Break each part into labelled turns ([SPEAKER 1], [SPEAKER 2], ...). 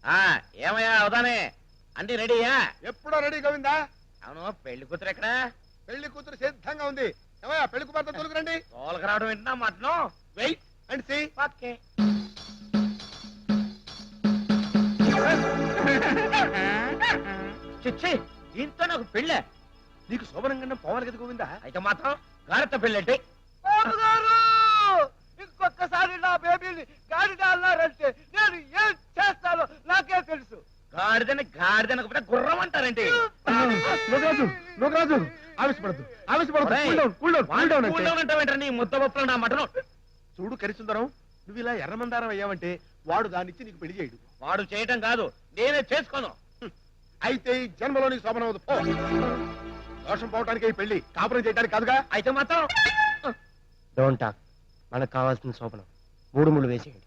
[SPEAKER 1] ఏమయ్యా అవుతానే అన్ని రెడీయా?
[SPEAKER 2] ఎప్పుడో రెడీ గోవిందా.
[SPEAKER 1] అవును, పెళ్లి కూతురు ఎక్కడ?
[SPEAKER 2] పెళ్లి కూతురు సిద్ధంగా ఉంది. ఏమయ్యా పెళ్లి కుమార్తె తోలుకురండి.
[SPEAKER 1] తోలక రావడం వింటున్నా mutton.
[SPEAKER 2] Wait and see.
[SPEAKER 1] Okay. చిచ్చి, దీంతో నాకు పెళ్ళే.
[SPEAKER 2] నీకు శోభనంగా పోవాలి కదా గోవిందా.
[SPEAKER 1] అయితే మాత్రం గారెత్త పెళ్ళంటే
[SPEAKER 3] ఇంకొకసారి నా బేబీని గాడిద అన్నారంటే నేను ఏం చేస్తానో నాకే తెలుసు.
[SPEAKER 1] గాడిదనకపోతే గుర్రం అంటారంటే.
[SPEAKER 2] లోకరాజు ఆవేశపడద్దు,
[SPEAKER 1] ఆవేశపడతావేంటారు నీ ముద్ద పప్పులు నా మటను.
[SPEAKER 2] చూడు కరిసుందరం, నువ్వు ఇలా ఎర్రమందారం అయ్యావంటే వాడు దానిచ్చి నీకు పెళ్లి చేయడు.
[SPEAKER 1] వాడు చేయటం కాదు, నేనే చేసుకోను.
[SPEAKER 2] అయితే ఈ జన్మలో నీకు శోభనం అవుదు. దోషం పోవటానికి ఈ పెళ్లి, కాపురం చేయడానికి కాదుగా.
[SPEAKER 1] అయితే మాత్రం
[SPEAKER 4] డోంట్ టాక్. మనకు కావాల్సిన శోభనం 3 ముళ్ళు వేసేయండి.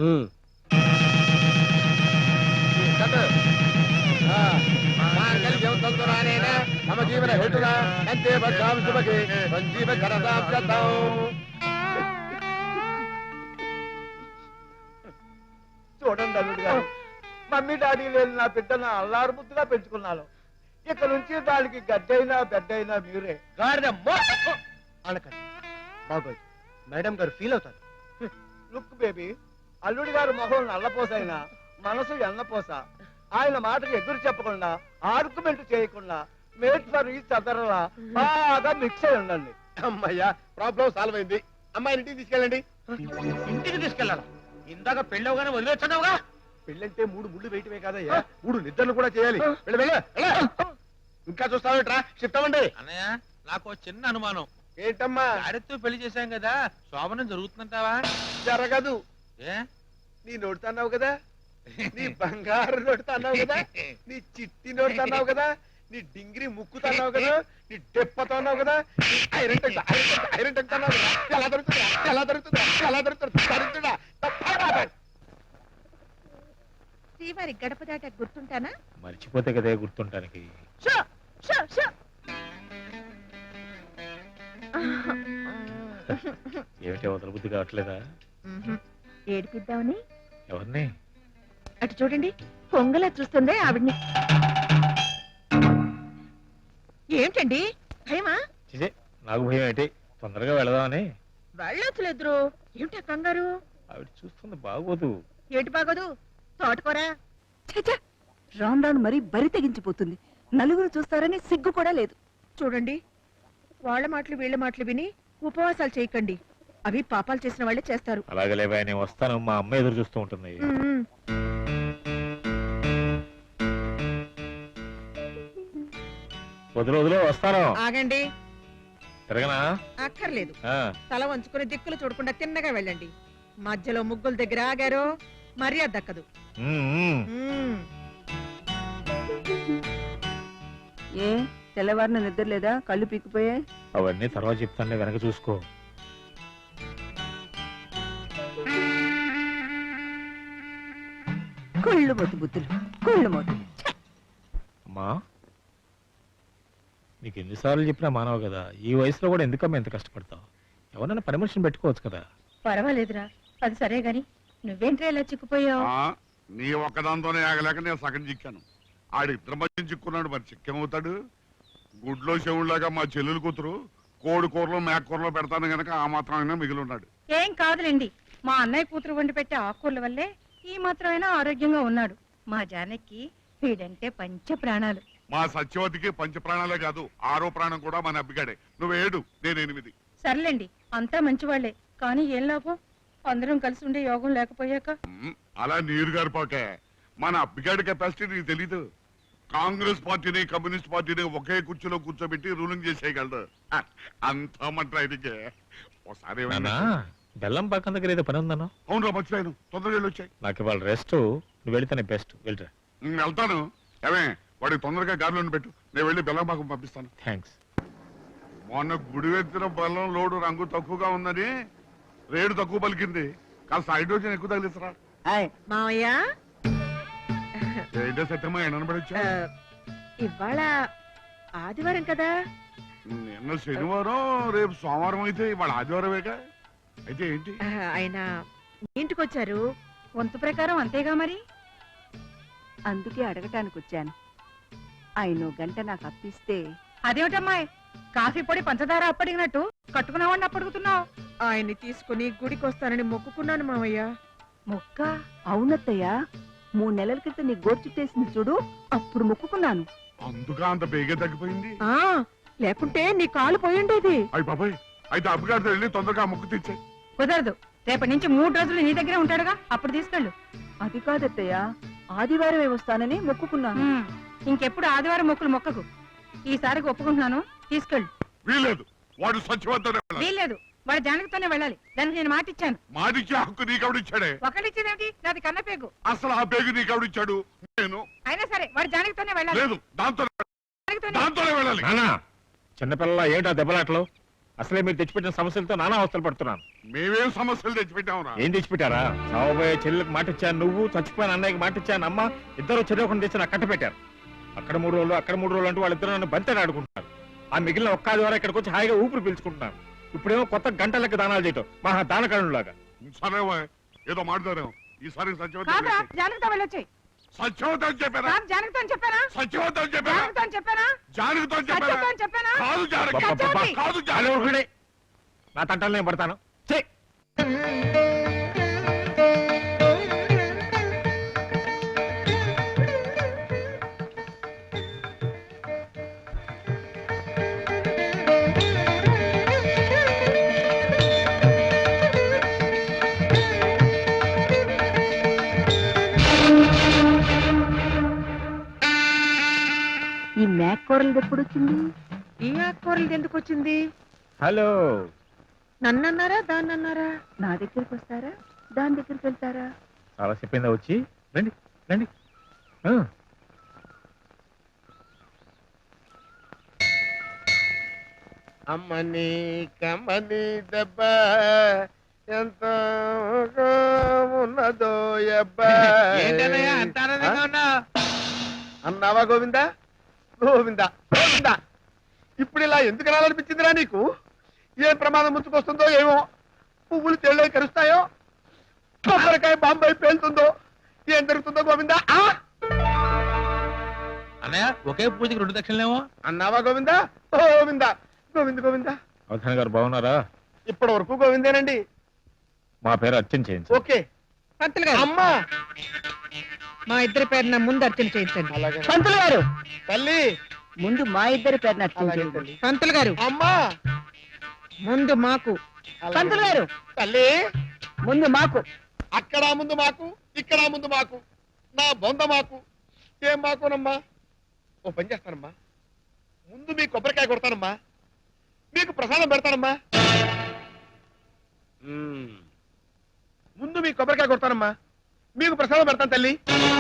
[SPEAKER 3] చూడండి అల్లుడు గారు, మమ్మీ డాడీ లేని నా బిడ్డను అల్లారు ముద్దుగా పెంచుకున్నాను. ఇక నుంచి దానికి గడ్డైనా బెడ్డైనా మీరే.
[SPEAKER 1] గాడిద
[SPEAKER 4] అనకండి బాగోదు, మేడం గారు ఫీల్ అవుతారు.
[SPEAKER 3] లుక్ బేబీ, అల్లుడి గారు మొహం నల్లపోసైనా మనసు ఎన్నపోస. ఆయన మాటకు ఎదురు చెప్పకుండా, ఆర్గ్యుమెంట్ చేయకుండా మేట్ ఫర్ ఈచ్ అదర్లా బాగా మిక్స్ అయి ఉండండి.
[SPEAKER 2] అమ్మయ్యా, ప్రాబ్లం సాల్వ్ అయింది. అమ్మాయిని ఇంటికి తీసుకెళ్ళండి.
[SPEAKER 1] ఇంటికి తీసుకెళ్ళాలా? ఇందాక పెళ్ళవగానే వదిలేస్తున్నావుగా.
[SPEAKER 2] పెళ్ళంటే 3 ముళ్ళు వేయటమే కాదయ్యా, 3 నిద్రలు కూడా చేయాలి. ఇంకా చూస్తావేట్రా, షిఫ్ట్ అవ్వండి.
[SPEAKER 5] అన్నయ్య, నాకు చిన్న అనుమానం.
[SPEAKER 2] ఏంటమ్మా?
[SPEAKER 5] గారెత్తో పెళ్లి చేశాం కదా, శోభనం జరుగుతుందంటావా?
[SPEAKER 2] జరగదు.
[SPEAKER 5] ఏ
[SPEAKER 2] నీ నోటితో అన్నావు కదా, నీ బంగారు నోటితో అన్నావు కదా, నీ చిట్టి నోటితో అన్నావు కదా, నీ డింగిరి ముక్కుతో అన్నావు కదా, నీ డెప్పతో అన్నావు కదా, నీ ఐరన్ టంగ్ అన్నావు కదా. ఎలా దొరుకుతుందా, ఎలా దొరుకుతుందా, ఎలా దొరుకుతుందా? దొరుకుతుందా?
[SPEAKER 6] శ్రీవారి గడప దాట గుర్తుంటానా?
[SPEAKER 5] మర్చిపోతే కదే గుర్తుంటానికి. ఏమిటి వదల బుద్ధి కావట్లేదా?
[SPEAKER 6] ఏడిపిద్దామని.
[SPEAKER 5] ఎవరిని?
[SPEAKER 6] అటు చూడండి, పొంగలా చూస్తుందే ఆవిడ్ని. ఏమిటండి భయమా?
[SPEAKER 5] చిజే, నాకు భయం ఏంటి, తొందరగా వెళదామని.
[SPEAKER 6] వెళ్ళొచ్చులేదురు. ఏమిటా కంగారు?
[SPEAKER 5] ఆవిడ చూస్తుంది బాగోదు.
[SPEAKER 6] ఏటి బాగోదు? తోటకూరా.
[SPEAKER 7] రాను రాను మరీ బరి తెగించిపోతుంది. నలుగురు చూస్తారని సిగ్గు కూడా లేదు.
[SPEAKER 6] చూడండి, వాళ్ళ మాటలు వీళ్ళ మాటలు విని ఉపవాసాలు చేయకండి. అవి పాపాలు చేసిన వాళ్ళే చేస్తారు.
[SPEAKER 5] అలాగే లేవా, నేను వస్తాను. మా అమ్మ ఎదురు చూస్తూ ఉంటుంది. వదిలో వస్తాను.
[SPEAKER 6] ఆగండి.
[SPEAKER 5] తిరగనా?
[SPEAKER 6] అక్కర్లేదు. తల వంచుకుని దిక్కులు చూడకుండా తిన్నగా వెళ్ళండి. మధ్యలో ముగ్గుల దగ్గర ఆగారో మర్యాద దక్కదు.
[SPEAKER 7] ఏ తెల్లవారిన నిద్ర లేదా? కళ్ళు పీకిపోయాయి.
[SPEAKER 5] అవన్నీ తర్వాత చెప్తానులే, వెనక చూసుకో.
[SPEAKER 7] కుళ్ళు మొద్దు బుద్ధులు, కుళ్ళు మొద్దు.
[SPEAKER 5] అమ్మా, నీకు ఎన్నిసార్లు చెప్పినా మానవు కదా, ఈ వయసులో కూడా ఎందుకమ్మా ఎంత కష్టపడతావు? ఎవరన్నా పని మనిషిని పెట్టుకోవచ్చు కదా.
[SPEAKER 6] పర్వాలేదురా, అది సరే గాని నువ్వేంట్రా ఇలా చిక్కుపోయావు?
[SPEAKER 8] నీ ఒక్కదాంతోనే ఆగలేక నేను సగం చిక్కాను. ఆడిద్దరి మధ్య చిక్కున్నాడు, మరి చిక్కేమవుతాడు? గుడ్లో చెవుల్లాగా మా చెల్లెలు కూతురు కోడి కూరలో మేక కూరలో పెడతాను గనక ఆ మాత్రమైనా మిగిలి ఉన్నాడు.
[SPEAKER 6] ఏం కాదులేండి, మా అన్నయ్య కూతురు వండి పెట్టే ఆకుకూరల వల్లే ఈ మాత్రమైనా ఆరోగ్యంగా ఉన్నాడు. మా జానకి వీడంటే పంచ ప్రాణాలు.
[SPEAKER 8] మా సత్యవతికి పంచ ప్రాణాలే కాదు, 6వ ప్రాణం కూడా మన అబ్బిగాడే. నువ్వు 7, నేను 8.
[SPEAKER 6] సర్లేండి, అంతా మంచివాళ్లే, కానీ ఏం లాభం? అందరం కలిసి ఉండే యోగం లేకపోయాక.
[SPEAKER 8] అలా నీరు గారిపోకే. మన అబ్బిగాడి కెపాసిటీ నీకు తెలీదు. కాంగ్రెస్ పార్టీని కమ్యూనిస్ట్ పార్టీని ఒకే కుర్చీలో కూర్చోబెట్టి రూలింగ్ చేసేయగలడు. అంతా మన ట్రైనింగే. ఒకసారి
[SPEAKER 5] బెల్లం పక్కన దగ్గర ఏదో పని ఉందన్నా?
[SPEAKER 8] అవును రా, మర్చిపోయాను. తొందరగా వచ్చాయి.
[SPEAKER 5] నాకు ఇవాళ రెస్ట్. నువ్వు వెళితేనే బెస్ట్. వెళ్ళరా.
[SPEAKER 8] వెళ్తాను. ఏమే, వాడికి తొందరగా గాలిలో పెట్టు, నేను వెళ్ళి బెల్లం పాకం పంపిస్తాను.
[SPEAKER 5] థ్యాంక్స్.
[SPEAKER 8] మొన్న గుడివెత్తిన బెల్లం లోడు రంగు తక్కువగా ఉందని రేటు తక్కువ పలికింది. కాస్త హైడ్రోజన్ ఎక్కువ తగిలిస్తారా?
[SPEAKER 6] మావయ్య,
[SPEAKER 8] ఏంటో సత్యమా ఎనబడొచ్చా?
[SPEAKER 6] ఇవాళ ఆదివారం కదా.
[SPEAKER 8] నిన్న శనివారం, రేపు సోమవారం అయితే ఇవాళ ఆదివారమేగా. అయితే ఏంటి?
[SPEAKER 6] ఆయన ఇంటికి వచ్చారు, వంతు ప్రకారం అంతేగా మరి.
[SPEAKER 7] అందుకే అడగటానికి వచ్చాను ఆయన గంట నాకు అప్పిస్తే.
[SPEAKER 6] అదేమిటమ్మాయి, కాఫీ పొడి పంచదార అప్పడిగినట్టు కట్టుకున్నావని అప్పడుగుతున్నావు.
[SPEAKER 9] ఆయన్ని తీసుకుని గుడికి వస్తానని మొక్కుకున్నాను మావయ్య.
[SPEAKER 6] మొక్క
[SPEAKER 7] అవునత్తయ్య, 3 నెలల క్రితం నీ గోరు చుట్టేసింది చూడు, అప్పుడు మొక్కుకున్నాను.
[SPEAKER 8] అందుగా అంత బేగే తగ్గిపోయింది.
[SPEAKER 9] ఆ లేకుంటే నీ కాలు పోయిండేది.
[SPEAKER 8] అయ్యి బాబాయ్, అయితే అబ్బగారితో వెళ్ళి తొందరగా ముక్కు తెచ్చే.
[SPEAKER 6] కుదరదు, రేపటి నుంచి 3 రోజులు నీ దగ్గరే ఉంటాడుగా, అప్పుడు తీసుకెళ్ళు.
[SPEAKER 7] అది కాదత్తయ్య, ఆదివారమే వస్తానని మొక్కుకున్నాను.
[SPEAKER 6] ఇంకెప్పుడు ఆదివారం మొక్కులు మొక్కకు. ఈసారికి ఒప్పుకుంటున్నాను, తీసుకెళ్ళు.
[SPEAKER 8] వీలేదు, వాడు సత్యవంతనే వెళ్ళాలి.
[SPEAKER 6] వీల్లేదు, వాడు జానకితోనే వెళ్ళాలి. దానికి నేను మాట ఇచ్చాను.
[SPEAKER 8] మాటిచ్చే హక్కు నీకెవడిచ్చాడే?
[SPEAKER 6] ఒకటిచ్చేదేమిటి, నాది కన్నపేగు.
[SPEAKER 8] అసలు ఆ బేగు నీకెవడిచ్చాడు? నేను.
[SPEAKER 6] అయినా సరే వాడు జానకితోనే వెళ్ళాలి.
[SPEAKER 8] లేదు,
[SPEAKER 6] జానకితోనే.
[SPEAKER 8] దాంతోనే వెళ్ళాలి.
[SPEAKER 5] నానా, చిన్నపిల్లల ఏటా దెబ్బలాటలు? అసలే మీరు తెచ్చిపెట్టిన సమస్యలతో నానా అవస్థలు పడుతున్నాను.
[SPEAKER 8] మేమేం సమస్యలు తెచ్చిపెట్టావురా?
[SPEAKER 5] ఏం తెచ్చిపెట్టారా? సావబోయే చెల్లెలకు మాట ఇచ్చాను, నువ్వు చచ్చిపోయిన అన్నయ్యకి మాట ఇచ్చాను, అమ్మ ఇద్దరు చెరవకుండా తెచ్చి నాకు కట్ట పెట్టారు. అక్కడ 3 రోజులు అక్కడ 3 రోజులు అంటూ వాళ్ళిద్దరు నన్ను బంతని ఆడుకుంటున్నారు. ఆ మిగిలిన ఒక్క ఆదివారం ఇక్కడికి వచ్చి హాయిగా ఊపిరి పీల్చుకుంటున్నాను. ఇప్పుడేమో కొత్త గంటలకి దానాలు చేయటం మహా దానకరులాగా.
[SPEAKER 8] సరేవా, ఏదో మాట్లాడాం. ఈసారి
[SPEAKER 6] కాదురా, జానకితో వెళ్ళొచ్చాయి.
[SPEAKER 8] సత్యవతం అని చెప్పారా?
[SPEAKER 6] కాదు, జానకితో అని చెప్పానా?
[SPEAKER 8] సత్యవతం అని చెప్పారా?
[SPEAKER 6] జానకితో అని చెప్పానా?
[SPEAKER 8] జానకితో అని చెప్పారా?
[SPEAKER 6] సత్యంతో అని చెప్పానా?
[SPEAKER 8] కాదు జానకి,
[SPEAKER 6] సత్యవతి.
[SPEAKER 8] కాదు
[SPEAKER 5] చాలు
[SPEAKER 8] జానకి.
[SPEAKER 5] ఊరుకునే. నా తంటాలు నేను పడతాను. ఛీ!
[SPEAKER 7] ఈ మేక్ కూరలు ఎప్పుడు వచ్చింది?
[SPEAKER 9] ఈ ఆకుకూరలు ఎందుకు వచ్చింది?
[SPEAKER 5] హలో,
[SPEAKER 9] నన్నన్నారా దాన్నన్నారా?
[SPEAKER 7] నా దగ్గరికి వస్తారా, దాని దగ్గరికి వెళ్తారా?
[SPEAKER 5] చాలా చెప్పిందా వచ్చి? రండి రండి. ఆ,
[SPEAKER 2] అమ్మని కమ్మని దెబ్బ ఎంత ఉన్నదో అబ్బా.
[SPEAKER 1] ఏంటన్నయ్య అంత ఆనందంగా ఉన్నావు?
[SPEAKER 2] అన్నావా గోవిందా? గోవిందా గోవిందా, ఇప్పుడు ఇలా ఎందుకు రాలనిపించిందిరా నీకు? ఏం ప్రమాదం ముంచుకొస్తుందో ఏమో, పువ్వులు తెళ్ళై కరుస్తాయో, కొబ్బరికాయ బాంబాయి పేలుతుందో, ఏం జరుగుతుందో గోవిందా?
[SPEAKER 1] అన్నయ్య, ఒకే పూజకి 2 దక్షిణలేమో.
[SPEAKER 2] అన్నావా గోవిందా? గోవిందా గోవింద గోవిందా.
[SPEAKER 5] అవధాని గారు బాగున్నారా?
[SPEAKER 2] ఇప్పటి వరకు గోవిందేనండి.
[SPEAKER 5] మా పేరు అర్చన చేయించు.
[SPEAKER 2] ఓకే.
[SPEAKER 9] పంతులు గారు,
[SPEAKER 2] అమ్మా,
[SPEAKER 9] మా ఇద్దరి పేరున ముందు అర్చన చేయించండి.
[SPEAKER 2] అలాగే
[SPEAKER 7] పంతులు గారు,
[SPEAKER 2] తల్లి.
[SPEAKER 7] ముందు మా ఇద్దరి పేరున అర్చన
[SPEAKER 2] అలాగే
[SPEAKER 7] చేయండి.
[SPEAKER 2] తల్లి.
[SPEAKER 9] పంతులు గారు,
[SPEAKER 2] అమ్మా,
[SPEAKER 9] ముందు మాకు.
[SPEAKER 2] అలాగే
[SPEAKER 7] పంతులు గారు,
[SPEAKER 2] తల్లి.
[SPEAKER 7] ముందు మాకు.
[SPEAKER 2] అక్కడ ముందు మాకు, ఇక్కడ ముందు మాకు, నా బొంద మాకు. ఏం మాకునమ్మా? ఓ పని చేస్తానమ్మా, ముందు మీ కొబ్బరికాయ కొడతానమ్మా, మీకు ప్రసాదం పెడతానమ్మా. ముందు మీ కొబ్బరికాయ కొడతానమ్మా, మీకు ప్రసాదం పెడతాను తల్లి.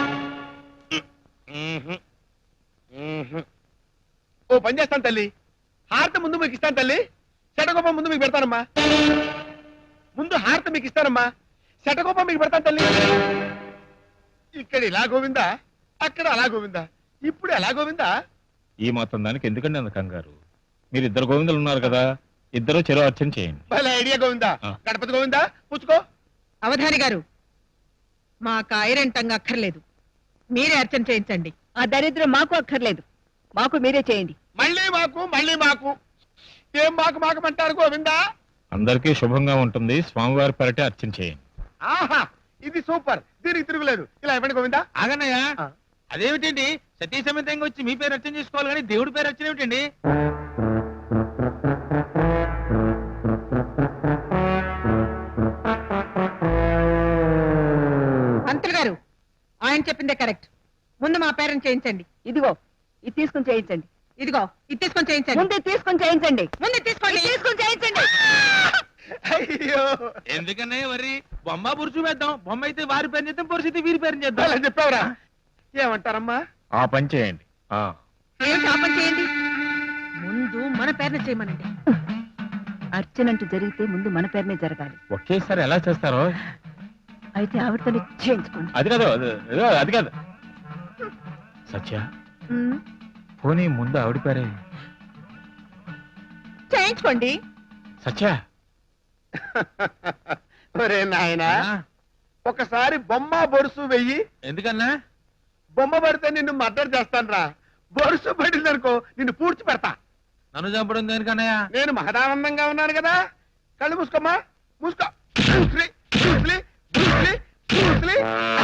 [SPEAKER 2] ఓ పని చేస్తాను తల్లి, హారతి ముందు మీకు ఇస్తాను తల్లి, శటగోపం ముందు మీకు పెడతానమ్మా. ముందు హారతి మీకు ఇస్తానమ్మా, శటగోపం మీకు పెడతాను తల్లి. ఇక్కడ ఇలా గోవిందా, అక్కడ అలా గోవిందా, ఇప్పుడు ఎలా గోవిందా?
[SPEAKER 5] ఈ మాత్రం దానికి ఎందుకండి అంత కంగారు? మీరు 2 గోవిందలు ఉన్నారు కదా, ఇద్దరు చెరో అర్చన చేయండి.
[SPEAKER 2] భలే ఐడియా గోవిందా.
[SPEAKER 5] ఆ.
[SPEAKER 2] గణపతి గోవిందా, పుచ్చుకో.
[SPEAKER 9] అవధాని గారు, మాకు ఐరంటంగా అక్కర్లేదు, మీరే అర్చన చేయించండి.
[SPEAKER 7] ఆ దరిద్రం మాకు అక్కర్లేదు, మాకు మీరే చేయండి.
[SPEAKER 2] మళ్ళీ మాకు, మళ్ళీ మాకు, ఏం మాకు మాకమంటారు గోవిందా?
[SPEAKER 5] అందరికీ శుభంగా ఉంటుంది. స్వామివారి పెరటే అర్చన చేయండి.
[SPEAKER 2] ఆహా, ఇది సూపర్, దీనికి తిరుగులేదు. ఇలా ఇవ్వండి గోవిందా.
[SPEAKER 1] ఆగన్నయ్య,
[SPEAKER 2] ఆ.
[SPEAKER 1] అదేమిటండి సతీ సమేతంగా వచ్చి మీ పేరు అర్చన చేసుకోవాలి కానీ దేవుడి పేరు అర్చన ఏమిటండి?
[SPEAKER 9] పంతులు గారు, ఆయన చెప్పిందే కరెక్ట్. ముందు మా పేరెంట్ చేయించండి.
[SPEAKER 7] ఇదిగో ఇది తీసుకుని చేయించండి.
[SPEAKER 9] ఇదిగో ఇది తీసుకొని చేయించండి.
[SPEAKER 7] ముందు ఇది తీసుకుని చేయించండి.
[SPEAKER 9] ముందు తీసుకోండి.
[SPEAKER 7] ఇది తీసుకుని చేయించండి.
[SPEAKER 2] అయ్యో,
[SPEAKER 1] ఎందుకన్నయ్య వరి బొమ్మ పురుషు వేద్దాం. బొమ్మ అయితే వారి పేరు చేద్దాం, పురుషు అయితే వీరి పేరు చేద్దాం.
[SPEAKER 2] అలా చెప్పావురా. ఏమంటారమ్మా?
[SPEAKER 5] ఆ పని చేయండి. ఆ,
[SPEAKER 9] ఏమిటి ఆ పని చేయండి? ముందు మన పేరున చేయమనండి.
[SPEAKER 7] అర్చనంటూ జరిగితే ముందు మన పేరునే జరగాలి.
[SPEAKER 5] ఒకేసారి ఎలా చేస్తారో?
[SPEAKER 7] అయితే ఆవిడతోనే చేయించుకోండి.
[SPEAKER 5] అది కాదు, అది కాదు. సత్య,
[SPEAKER 9] ఉమ్,
[SPEAKER 5] పోనీ ముందు ఆవిడ పేరే.
[SPEAKER 9] చేయించుకోండి.
[SPEAKER 5] సత్య,
[SPEAKER 2] ఒరే నాయనా,
[SPEAKER 1] ఆ,
[SPEAKER 2] ఒకసారి బొమ్మ బొరుసు వెయ్యి.
[SPEAKER 1] ఎందుకన్నా?
[SPEAKER 2] బొమ్మ పడితే నిన్ను మర్డర్ చేస్తాను రా. బొరుసు పడిందనుకో నిన్ను పూడ్చి పెడతా.
[SPEAKER 1] నన్ను చంపడం దేనికన్నయ్య?
[SPEAKER 2] నేను మహదానందంగా ఉన్నాను కదా. కళ్ళు మూసుకోమ్మా, మూసుకో. Bruce Lee, Bruce Lee, Bruce Lee, Bruce Lee.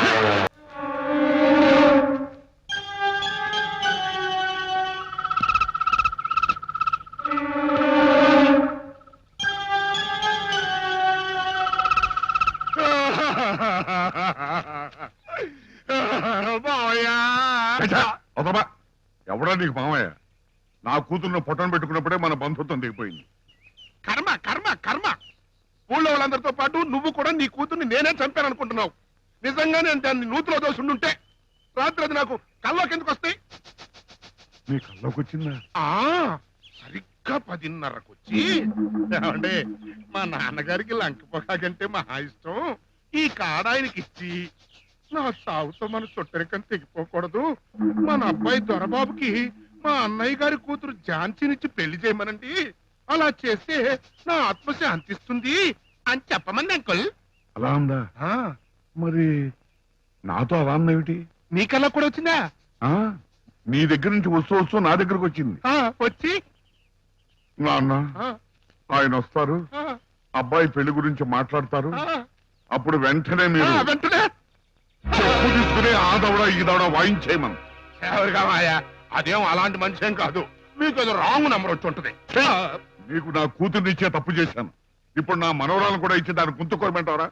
[SPEAKER 8] వదలబా. ఎవడా నీకు మామయ్య? నా కూతుర్ని పొట్టను పెట్టుకున్నప్పుడే మన బంధుత్వం దిగిపోయింది.
[SPEAKER 2] కర్మ కర్మ కర్మ. ఊళ్ళో వాళ్ళందరితో పాటు నువ్వు కూడా నీ కూతుర్ని నేనే చంపాను అనుకుంటున్నావు. నిజంగా నేను దాన్ని నూతిలో దోసుండుంటే రాత్రి అది నాకు కల్లోకి ఎందుకు వస్తాయి?
[SPEAKER 8] నీ కల్లోకి వచ్చిందా?
[SPEAKER 2] సరిగ్గా 10:30కు వచ్చి, ఏమండి మా నాన్నగారికి లంకపోకాకంటే మహా ఇష్టం, ఈ కాడ ఆయనకి ఇచ్చి నా సాగుతో మన చుట్టరికం తెగిపోకూడదు, మన అబ్బాయి దొరబాబుకి మా అన్నయ్య గారి కూతురు ఝాన్సీనిచ్చి పెళ్లి చేయమనండి, అలా చేస్తే నా ఆత్మ శాంతిస్తుంది అని చెప్పమంది అంకుల్.
[SPEAKER 8] అలా ఉందా? మరి నాతో అలా అన్నేమిటి?
[SPEAKER 2] నీకల్లా కూడా వచ్చిందా?
[SPEAKER 8] నీ దగ్గర నుంచి వస్తూ నా దగ్గరకు వచ్చింది.
[SPEAKER 2] వచ్చి
[SPEAKER 8] నాన్న
[SPEAKER 2] ఆ,
[SPEAKER 8] ఆయన వస్తారు,
[SPEAKER 2] ఆ,
[SPEAKER 8] అబ్బాయి పెళ్లి గురించి మాట్లాడతారు.
[SPEAKER 2] ఆ,
[SPEAKER 8] అప్పుడు వెంటనే మీరు
[SPEAKER 2] వెంటనే
[SPEAKER 8] చెప్పు తీసుకుని ఆ దవడ ఈ దవడ వాయించేయమను.
[SPEAKER 2] ఎవరిగా మాయా, అదేం అలాంటి మనిషి ఏం కాదు. మీకు ఏదో రాంగ్ నెంబర్ వచ్చి ఉంటుంది.
[SPEAKER 8] నీకు నా కూతుర్ని ఇచ్చే తప్పు చేశాను. ఇప్పుడు నా మనవరాలను కూడా ఇచ్చి దాన్ని గుంతుకోరమంటావరా?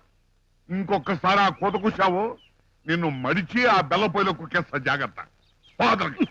[SPEAKER 8] ఇంకొకసారి ఆ కోత కూసావో నిన్ను మడిచి ఆ బెల్ల పొయ్యిలో కుక్కేస్తా. జాగ్రత్త. ఫాదర్